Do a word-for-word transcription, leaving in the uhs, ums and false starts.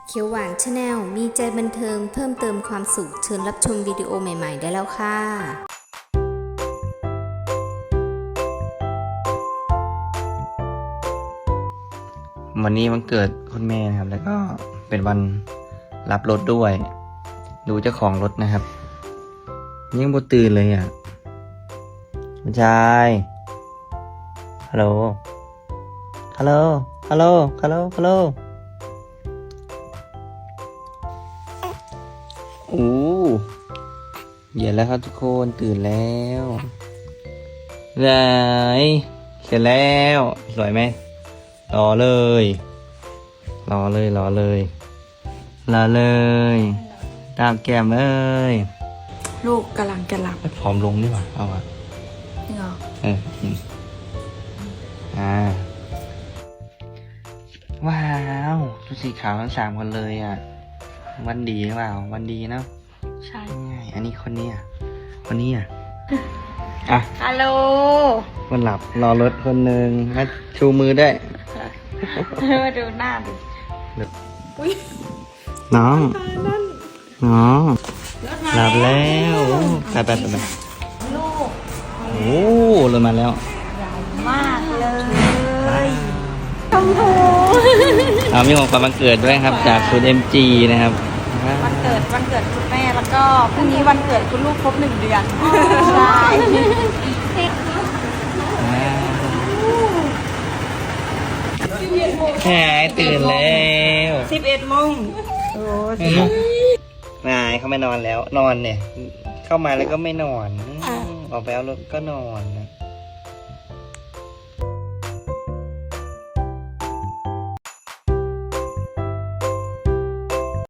เขียวหวานชาแนลมีใจบันเทิงเพิ่มเติมความสุขเชิญรับชมวิดีโอใหม่ๆได้แล้วค่ะวันนี้วันเกิดคุณแม่นะครับ แล้วก็เป็นวันรับรถด้วย ดูเจ้าของรถนะครับยังบ่ตื่นเลยอ่ะคุณชายฮัลโหลฮัลโหลฮัลโหลฮัลโหลฮัลโหลโอ้เย็นแล้วครับทุกคนตื่นแล้วไหนเสร็จแล้วสวยไหมรอเลยรอเลยรอเลยรอเลยตามแก้มเลยลูกกำลังจะหลับผอมลงดีกว่าเอาอ่ะนี่เหรอเอออืมอ่าว้าวชุดสีขาวทั้งสามคนเลยอ่ะวันดีหรือเปล่าวันดีเนาะใช่ง่ายอันนี้คนนี้อ่ะคนนี้อ่ะอ่ะฮัลโหลคนหลับรอรถคนหนึ่งมาชูมือได้วยมาดูหน้าดิน้องน้องรถมาหลับแล้วไปไปไปไปลูกโอ้รถมาแล้วมากเลยชมพูเอามีของขวัญวันเกิดด้วยครับ จากศูนย์ เอ็ม จี นะครับวันเกิดวันเกิดคุณแม่แล้วก็พรุ่งนี้วันเกิดคุณลูกครบหนึ่งเดือนใช่หายตื่นแล้วสิบเอ็ดโมงโอ้นายเขาไม่นอนแล้ว นอนเนี่ย เข้ามาแล้วก็ไม่นอนอืมออกไปเอารถก็นอนนะ